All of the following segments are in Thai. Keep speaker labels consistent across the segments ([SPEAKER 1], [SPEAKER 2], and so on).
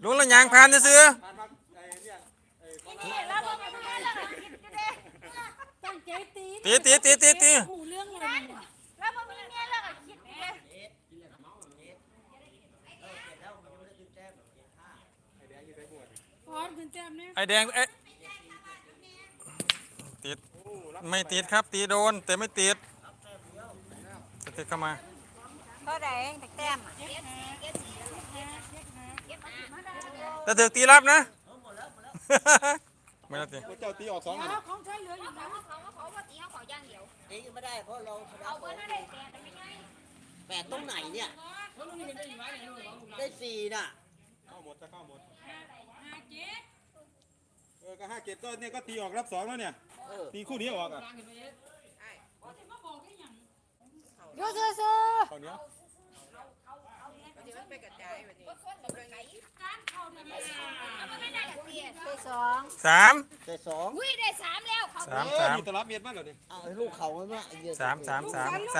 [SPEAKER 1] ลุงละยางผ่านซื้อตี
[SPEAKER 2] หูเรื่องเลยแล้วมันมีเมียแล้วก็คิดเลยพอดขึ้นแต้มเนี่ย
[SPEAKER 1] ไอแดงเอ๊ะติดไม่ติดครับตีโดนแต่ไม่ติดจะติดเข้ามา
[SPEAKER 2] เท่าไหร่แต้ม
[SPEAKER 1] แต่ถึงตีรับนะไม่รับตี
[SPEAKER 3] เจ้าตีออก2เลย
[SPEAKER 2] ของใช้เหลืออยู่นะ
[SPEAKER 4] เขาว่าตีเขาขอย่างเดียว
[SPEAKER 5] ตีไม่ได้เพราะเราชนะ
[SPEAKER 4] เอาเบอร์นั่นได้แต่ไม่ง่าย
[SPEAKER 5] 8ตรงไหนเนี่ยได้4น่ะ
[SPEAKER 3] เข้าหมดจะเข้าหมดก็5-7ก็เนี่ยก็ตีออกรับ2แล้วเนี่ยตีคู่นี้ออกอ่ะ
[SPEAKER 2] โยซื้อ
[SPEAKER 3] ข้าวเหนียว
[SPEAKER 2] สอง
[SPEAKER 1] สาม
[SPEAKER 5] ได้2
[SPEAKER 4] อุ้ยได้3แล้วเขา
[SPEAKER 1] สาม
[SPEAKER 3] มีตลับเม็ดมั้ยเหรอเนี่ย
[SPEAKER 5] เอาไอ้ลูกเขามันว่าไอ้เหี้ย
[SPEAKER 1] สาม
[SPEAKER 2] ได้สามแล้ว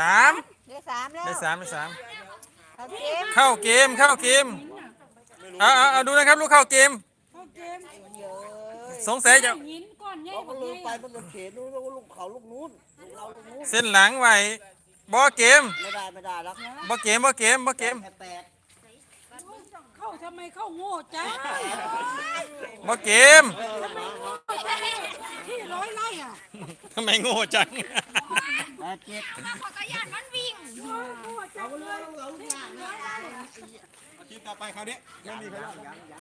[SPEAKER 1] เข้าเกมเอาดูนะครับลูกเข้าเกม
[SPEAKER 2] เข้าเกม
[SPEAKER 1] สงสัยจะ
[SPEAKER 2] หินก้อนใหญ่
[SPEAKER 5] เรา
[SPEAKER 2] ก
[SPEAKER 5] ก็
[SPEAKER 2] ว่า
[SPEAKER 5] ลื
[SPEAKER 2] ให
[SPEAKER 5] ม
[SPEAKER 2] ญ่
[SPEAKER 5] ไปมันจะเขียนลูกเขาลูกนู้นลูกเราลูกนู้น
[SPEAKER 1] เส้นหลังไว้บ่เกม
[SPEAKER 5] ไม่ได้แล้ว
[SPEAKER 1] บ่เกม
[SPEAKER 5] แค่8
[SPEAKER 2] เข้าทำไมเข้าโง่จ้า
[SPEAKER 1] บ่เกม
[SPEAKER 2] ที่ร้อยไร่อ่ะ
[SPEAKER 1] ทำไมโง่จัง
[SPEAKER 4] เขาก็ย่านมันวิ่ง
[SPEAKER 3] ทีมต่อไปคราวนี้ไม่มีใครรอด